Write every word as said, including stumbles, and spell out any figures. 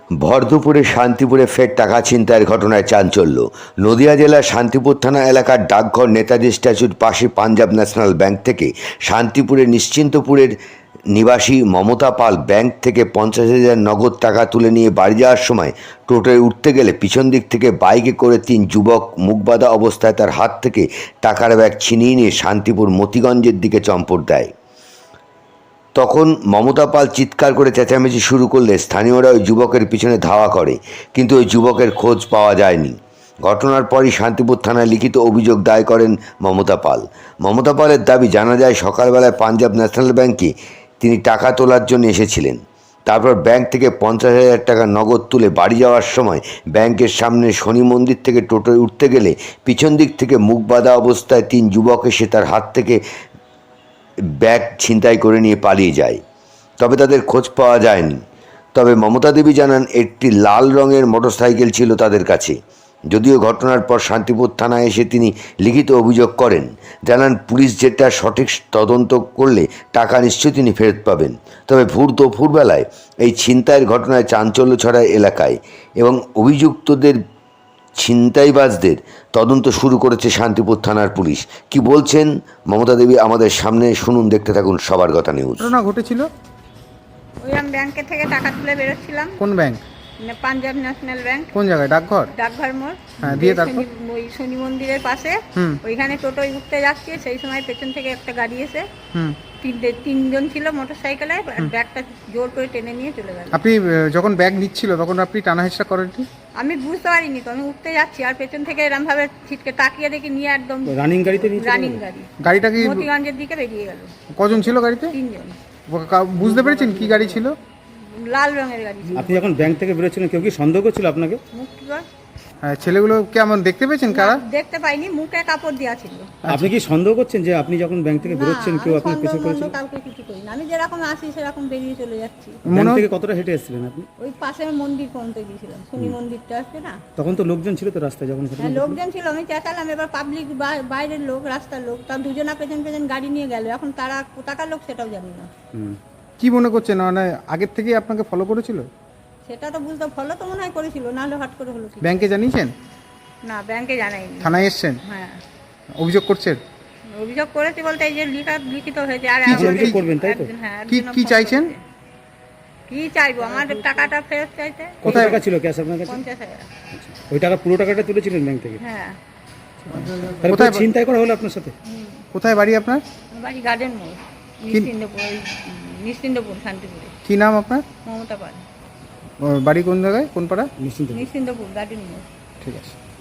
ভর দুপুরে শান্তিপুরে ফের টাকা ছিনতাইয়ের ঘটনায় চাঞ্চল্য। নদিয়া জেলার শান্তিপুর থানা এলাকার ডাকঘর নেতাজি স্ট্যাচুর পাশে পাঞ্জাব ন্যাশনাল ব্যাংক থেকে শান্তিপুরের নিশ্চিন্তপুরের নিবাসী মমতা পাল ব্যাংক থেকে পঞ্চাশ হাজার নগদ টাকা তুলে নিয়ে বাড়ি যাওয়ার সময় টোটোয় উঠতে গেলে পিছন দিক থেকে বাইকে করে তিন যুবক মুখবাঁধা অবস্থায় তার হাত থেকে টাকার ব্যাগ ছিনিয়ে নিয়ে শান্তিপুর মতিগঞ্জের দিকে চম্পট দেয়। তখন মমতা পাল চিৎকার করে চেঁচামেচি শুরু করলে স্থানীয়রা ওই যুবকের পিছনে ধাওয়া করে, কিন্তু ওই যুবকের খোঁজ পাওয়া যায়নি। ঘটনার পরই শান্তিপুর থানায় লিখিত অভিযোগ দায় করেন মমতা পাল। মমতা পালের দাবি, জানা যায় সকালবেলায় পাঞ্জাব ন্যাশনাল ব্যাংকে তিনি টাকা তোলার জন্য এসেছিলেন। তারপর ব্যাংক থেকে পঞ্চাশ হাজার টাকা নগদ তুলে বাড়ি যাওয়ার সময় ব্যাংকের সামনে শনি মন্দির থেকে টোটোয় উঠতে গেলে পিছন দিক থেকে মুখ বাঁধা অবস্থায় তিন যুবক এসে তার হাত থেকে ব্যাগ ছিনতাই করে নিয়ে পালিয়ে যায়, তবে তাদের খোঁজ পাওয়া যায়নি। তবে মমতা দেবী জানান একটি লাল রঙের মোটরসাইকেল ছিল তাদের কাছে। যদিও ঘটনার পর শান্তিপুর থানায় এসে তিনি লিখিত অভিযোগ করেন। জানান, পুলিশ যেটা সঠিক তদন্ত করলে টাকা নিশ্চয়ই তিনি ফেরত পাবেন। তবে ভোর দুপুরবেলায় এই ছিনতাইয়ের ঘটনায় চাঞ্চল্য ছড়ায় এলাকায় এবং অভিযুক্তদের ছিনতাইবাজদের তদন্ত শুরু করেছে শান্তিপুর থানার পুলিশ। কি বলছেন মমতা দেবী আমাদের সামনে শুনুন, দেখতে থাকুন সবার কথা নিউজ। ঘটনা ঘটেছিল ওই আমি ব্যাংকে থেকে টাকা তুলে বেরোচ্ছিলাম। কোন ব্যাংক? মানে পাঞ্জাব ন্যাশনাল ব্যাংক। কোন জায়গায়? ডাকঘর? ডাকঘর মোড়। হ্যাঁ, দিয়ে যে তারপর? শনি- ওই শনি মন্দিরের পাশে হুম ওইখানে টোটোয় উঠতে যাচ্ছি, সেই সময় পেছন থেকে একটা গাড়ি এসে হুম তিনটে তিনজন ছিল মোটর সাইকেলে, ব্যাগটা জোর করে টেনে নিয়ে চলে গেল। আপনি আহ, যখন ব্যাগ নিচ্ছিল তখন আপনি টানা হেঁচড়া করেননি? আমি বুঝতে পারিনি তো, আমি উঠতে যাচ্ছি আর পেছন থেকে এরম ভাবে ছিটকে তাকিয়ে দেখি নিয়ে একদম রানিং গাড়িতে নিয়ে চলে রানিং গেল? গাড়ি গাড়িটা কি মতিগঞ্জের দিকে বেরিয়ে গেল। কজন ছিল গাড়িতে? তিনজন। কা- বুঝতে পেরেছেন কি গাড়ি ছিল? লাল রঙের গাড়ি ছিল। আপনি যখন ব্যাংক থেকে বেরোচ্ছিলেন কেউ কি সন্দেহ করছিল আপনাকে? মুক্তিগড়। হ্যাঁ, ছেলেগুলো কেমন দেখতে পেয়েছেন? কারা? দেখতে পাইনি, মুখে কাপড় দেওয়া ছিল। আপনি কি সন্দেহ করছেন যে আপনি যখন ব্যাংক থেকে বেরোচ্ছেন না, কেউ আমি আপনার পিছু সন্দেহ করেছিল? মন্দ কাউকে কিছু করি না। আমি যেরকম আসি সেরকম বেরিয়ে চলে যাচ্ছি। ব্যাংক মনে থেকে হয়- কতটা হেঁটে এসেছিলেন আপনি? ওই পাশে মন্দির পর্যন্ত গিয়েছিলাম, শনি মন্দিরটা আছে না। তখন তো লোকজন ছিল তো রাস্তায় যখন ঘটনা হ্যাঁ, ঘটলো? লোকজন ছিল, আমি চেঁচালাম, এবার পাবলিক বাইরের লোক, রাস্তার লোক, তার দুজনা পেছন পেছন গাড়ি নিয়ে গেল। এখন তারা কোথাকার লোক সেটাও জানি না। হুম। কি মনে করছেন, মানে আগের থেকেই আপনাকে ফলো করেছিল? সেটা তো বুঝতে, ফলো তো মনে হয় করেছিল, নাহলে হট করে হলো কি? ব্যাংকে জানিয়েছেন? না, ব্যাংকে জানাইনি। থানায় এসছেন? হ্যাঁ, অভিযোগ করছেন? অভিযোগ করেছি বলতে এই যে লিখা লিখিত হয়েছে। আর কি আমাদের- অভিযোগ করবেন, তাই তো? একজন- হ্যাঁ, কি একজনও কি ফোন চাইছেন? করেছে। কি চাইবো? আমার টাকাটা ফেরত চাইতে। কত টাকা ছিল ক্যাশ আপনার কাছে? পঞ্চাশ হাজার। ওই টাকা পুরো টাকাটা তুলেছিলেন ব্যাংক থেকে? হ্যাঁ। তাহলে কোথায়- পুরো ছিনতাই করা হলো আপনার সাথে? কোথায় বাড়ি আপনার? আমার বাড়ি গার্ডেন মোড়, নিশ্চিন্দপুর। ওই নিশ্চিন্দপুর, শান্তিপুরে। কি নাম আপনার? মমতা পাল। ও, বাড়ি কোন জায়গায়, কোন পাড়া? নিশ্চিন্ত। নিশ্চিন্দপুর, গার্ডেন মোড়। ঠিক আছে।